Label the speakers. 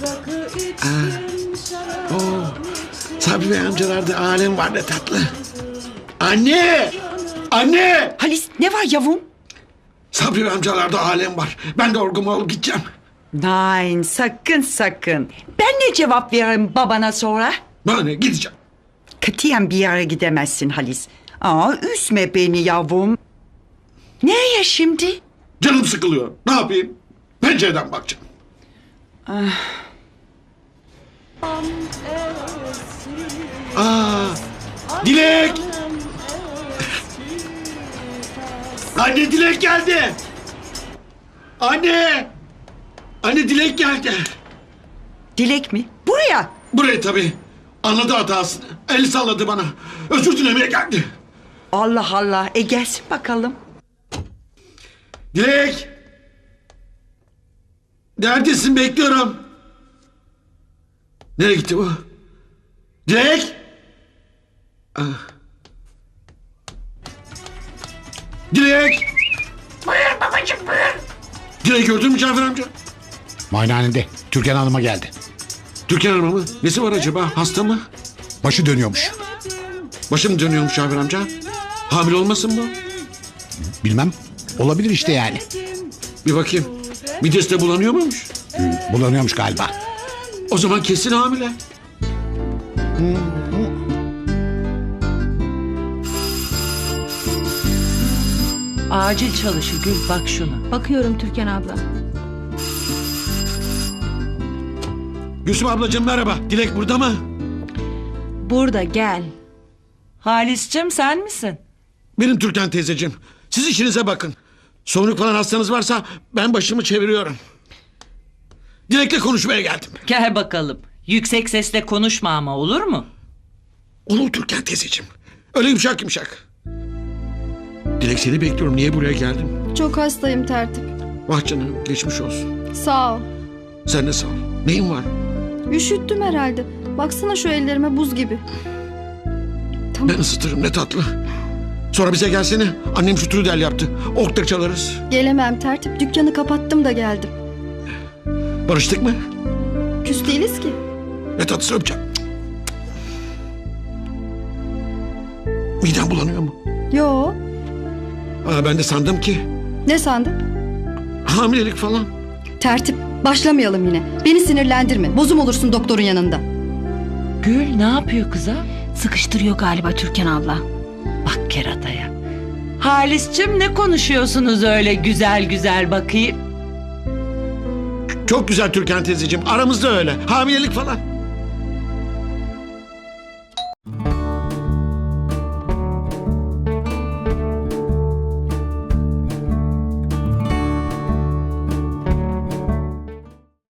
Speaker 1: Oo, Sabri Bey amcalarda alem var ne tatlı. Anne! Anne!
Speaker 2: Halis ne var yavrum?
Speaker 1: Sabri Bey amcalarda alem var. Ben de orgumu alıp gideceğim.
Speaker 2: Nein sakın sakın. Ben ne cevap veririm babana sonra?
Speaker 1: Bana ne, gideceğim.
Speaker 2: Katiyen bir yere gidemezsin Halis. Aa, üzme beni yavrum. Nereye şimdi?
Speaker 1: Canım sıkılıyor. Ne yapayım? Pencereden bakacağım. Dilek! Anne Dilek geldi. Anne! Anne Dilek geldi.
Speaker 2: Dilek mi? Buraya.
Speaker 1: Buraya tabii. Anladı hatasını. El salladı bana. Özür dilemeye geldi.
Speaker 2: Allah Allah. Gelsin bakalım.
Speaker 1: Dilek! Neredesin? Bekliyorum. Nereye gitti bu? Dilek! Ah. Dilek! Buyur babacığım buyur. Dilek gördün mü Cafer amca?
Speaker 3: Muayenehanede Türkan Hanım'a geldi.
Speaker 1: Türkan Hanım'a mı? Nesi var acaba? Hasta mı?
Speaker 3: Başı dönüyormuş.
Speaker 1: Başım dönüyormuş Cafer amca. Hamile olmasın bu?
Speaker 3: Bilmem. Olabilir işte yani.
Speaker 1: Bir bakayım. Midesi de bulanıyor muymuş?
Speaker 3: Bulanıyormuş galiba.
Speaker 1: O zaman kesin hamile.
Speaker 4: Acil çalışı Gül bak şuna.
Speaker 5: Bakıyorum Türkan abla.
Speaker 1: Gülsüm ablacığım merhaba. Dilek burada mı?
Speaker 5: Burada gel.
Speaker 4: Halis'cim sen misin?
Speaker 1: Benim Türkan teyzeciğim. Siz işinize bakın. Soğuk falan hastanız varsa ben başımı çeviriyorum. Dilek'le konuşmaya geldim.
Speaker 4: Gel bakalım. Yüksek sesle konuşma ama olur mu?
Speaker 1: Olur Türkan teyzeciğim. Öyle yumuşak yumuşak. Dilek seni bekliyorum. Niye buraya geldim?
Speaker 6: Çok hastayım tertip.
Speaker 1: Vah canım geçmiş olsun.
Speaker 6: Sağ ol.
Speaker 1: Sen de sağ ol. Neyin var?
Speaker 6: Üşüttüm herhalde. Baksana şu ellerime buz gibi.
Speaker 1: Ben ısıtırım ne tatlı. Sonra bize gelsene. Annem şu trudel yaptı. Okta çalarız.
Speaker 6: Gelemem tertip. Dükkanı kapattım da geldim.
Speaker 1: Barıştık mı?
Speaker 6: Küs değiliz ki.
Speaker 1: Ne tatlısı öpeceğim. Midem bulanıyor mu?
Speaker 6: Yo.
Speaker 1: Ben de sandım ki
Speaker 6: Ne sandın?
Speaker 1: hamilelik falan.
Speaker 6: Tertip. Başlamayalım yine. Beni sinirlendirme. Bozum olursun doktorun yanında.
Speaker 4: Gül ne yapıyor kıza?
Speaker 5: Sıkıştırıyor galiba Türkan abla.
Speaker 4: Bak kerataya. Halis'cim ne konuşuyorsunuz öyle güzel güzel bakayım?
Speaker 1: Çok güzel Türkan teyzeciğim. Aramızda öyle. Hamilelik falan.